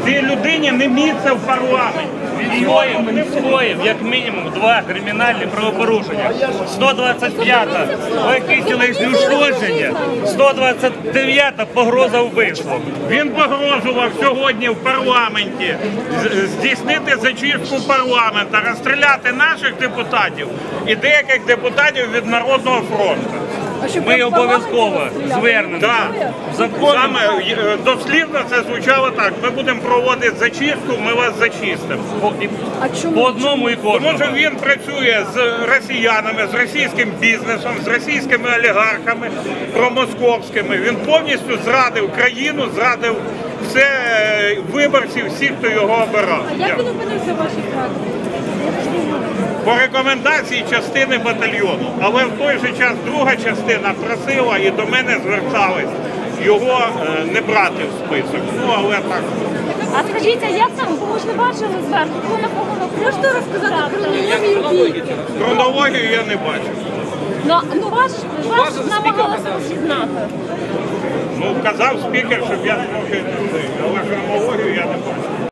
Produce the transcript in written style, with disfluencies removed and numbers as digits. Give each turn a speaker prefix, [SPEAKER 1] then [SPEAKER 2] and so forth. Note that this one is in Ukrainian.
[SPEAKER 1] Цій людині не місце в парламенті.
[SPEAKER 2] Він скоїв, як мінімум, 2 кримінальні правопорушення. 125-та легкі тілесні ушкодження, 129-та погроза вбивством.
[SPEAKER 1] Він погрожував сьогодні в парламенті здійснити зачистку парламенту, розстріляти наших депутатів і деяких депутатів від Народного фронту.
[SPEAKER 2] Ми обов'язково звернемо.
[SPEAKER 1] Да. Саме дослівно це звучало так. Ми будемо проводити зачистку, ми вас зачистимо.
[SPEAKER 2] По одному і кожному.
[SPEAKER 1] Тому що він працює з росіянами, з російським бізнесом, з російськими олігархами, промосковськими. Він повністю зрадив країну, зрадив все виборців, всіх, хто його обирав.
[SPEAKER 3] А як він опинився в вашій фракції?
[SPEAKER 1] По рекомендації частини батальйону. Але в той же час друга частина просила і до мене звертались його не брати в список. Ну, але так.
[SPEAKER 3] А скажіть, а як там, бо ми ж не бачили зверху, хто на кого можете розказати хронологію бійки?
[SPEAKER 1] Хронологію я не бачив.
[SPEAKER 3] Ну ваш намагалися роз'єднати.
[SPEAKER 1] Ну, казав спікер, щоб я трохи, але хронологію я не бачив.